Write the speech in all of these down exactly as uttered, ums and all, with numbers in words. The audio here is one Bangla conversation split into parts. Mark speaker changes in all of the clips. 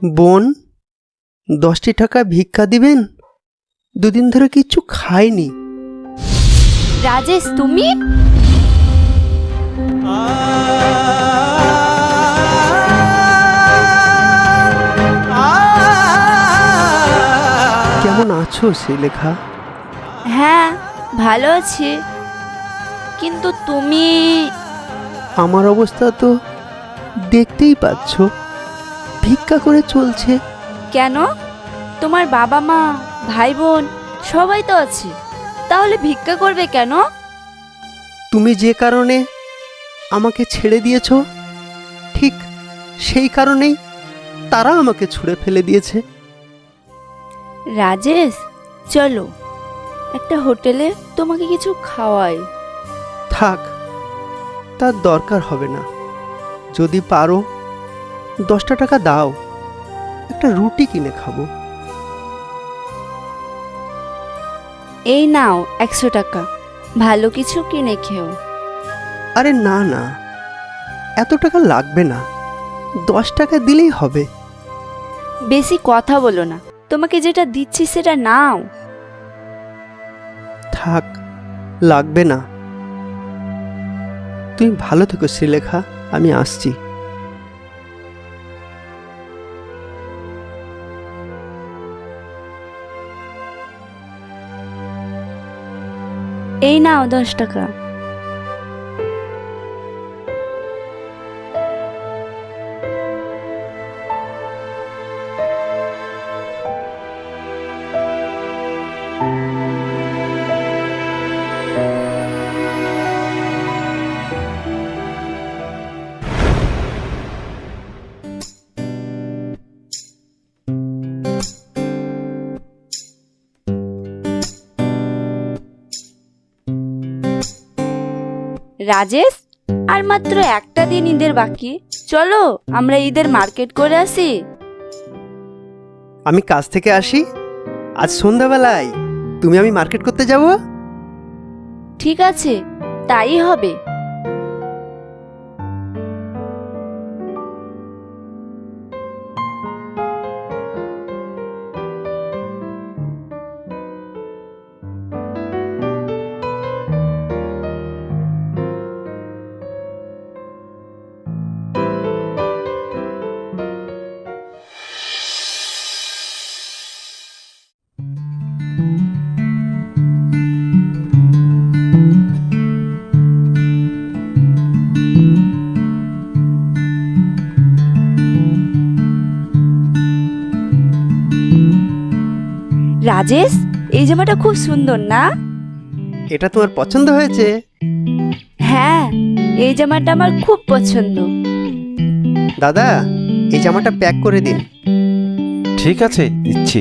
Speaker 1: বোন, দশটি টাকা ভিক্ষা দিবেন? দুদিন ধরে কিচ্ছু খাইনি।
Speaker 2: রাজেশ, তুমি?
Speaker 1: কেমন আছো শ্রীলেখা?
Speaker 2: হ্যাঁ, ভালো আছি, কিন্তু তুমি?
Speaker 1: আমার অবস্থা তো দেখতেই পাচ্ছ, ভিক্ষা করে চলছে।
Speaker 2: কেন? তোমার বাবা মা, ভাই বোন সবাই তো আছে, তাহলে ভিক্ষা করবে কেন?
Speaker 1: তুমি যে কারণে আমাকে ছেড়ে দিয়েছ, ঠিক সেই কারণেই তারা আমাকে ছুঁড়ে ফেলে দিয়েছে।
Speaker 2: রাজেশ, চলো একটা হোটেলে তোমাকে কিছু খাওয়াই।
Speaker 1: থাক, তার দরকার হবে না। যদি পারো দশটা টাকা দাও, একটা রুটি কিনে খাবো।
Speaker 2: এই নাও একশো টাকা, ভালো কিছু কিনে খেও।
Speaker 1: আরে না না, এত টাকা লাগবে না, দশ টাকা দিলেই হবে।
Speaker 2: বেশি কথা বলো না, তোমাকে যেটা দিচ্ছি সেটা নাও।
Speaker 1: থাক, লাগবে না। তুমি ভালো থেকো শ্রীলেখা, আমি আসছি।
Speaker 2: এই নাও দশ টাকা। রাজেশ, আর মাত্র একটা দিন ঈদের বাকি, চলো আমরা ঈদের মার্কেট করে আসি।
Speaker 1: আমি কাজ থেকে আসি, আজ সন্ধ্যাবেলায় তুমি আমি মার্কেট করতে যাব।
Speaker 2: ঠিক আছে, তাই হবে। রাজেশ, এই জামাটা খুব সুন্দর না?
Speaker 1: এটা তোমার পছন্দ হয়েছে?
Speaker 2: হ্যাঁ, এই জামাটা আমার খুব পছন্দ।
Speaker 1: দাদা, এই জামাটা প্যাক করে দিন।
Speaker 3: ঠিক আছে, দিচ্ছি।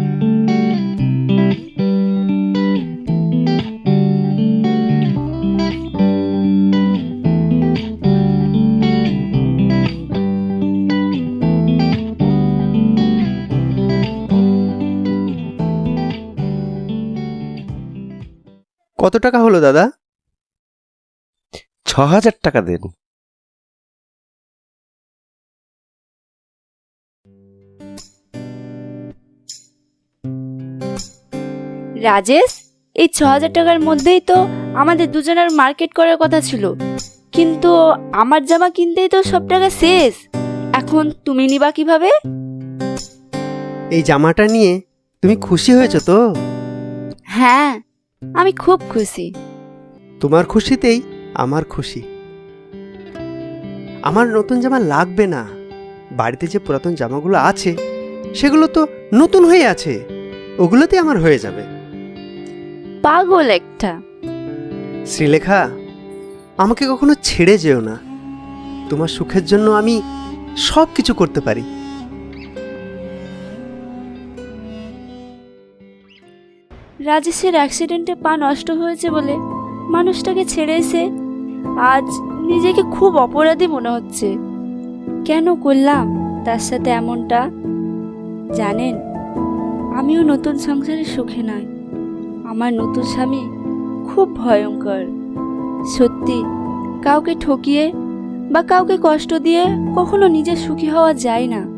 Speaker 1: কত টাকা হলো দাদা?
Speaker 3: ছ হাজার টাকা দেন।
Speaker 2: রাজেশ, এই ছ হাজার টাকার মধ্যেই তো আমাদের দুজনের মার্কেট করার কথা ছিল, কিন্তু আমার জামা কিনতেই তো সব টাকা শেষ। এখন তুমি নিবা কিভাবে?
Speaker 1: এই জামাটা নিয়ে তুমি খুশি হয়েছো তো?
Speaker 2: হ্যাঁ, আমি খুব খুশি।
Speaker 1: তোমার খুশিতেই আমার খুশি। আমার নতুন জামা লাগবে না, বাড়িতে যে পুরাতন জামাগুলো আছে সেগুলো তো নতুন হয়ে আছে, ওগুলোতে আমার হয়ে যাবে।
Speaker 2: পাগল একটা।
Speaker 1: শ্রীলেখা, আমাকে কখনো ছেড়ে যেও না। তোমার সুখের জন্য আমি সব কিছু করতে পারি।
Speaker 2: রাজেশের অ্যাক্সিডেন্টে পা নষ্ট হয়েছে বলে মানুষটাকে ছেড়ে এসে আজ নিজেকে খুব অপরাধী মনে হচ্ছে। কেন করলাম তার সাথে এমনটা? জানেন, আমিও নতুন সংসারে সুখে নয়। আমার নতুন স্বামী খুব ভয়ঙ্কর। সত্যি, কাউকে ঠকিয়ে বা কাউকে কষ্ট দিয়ে কখনো নিজে সুখী হওয়া যায় না।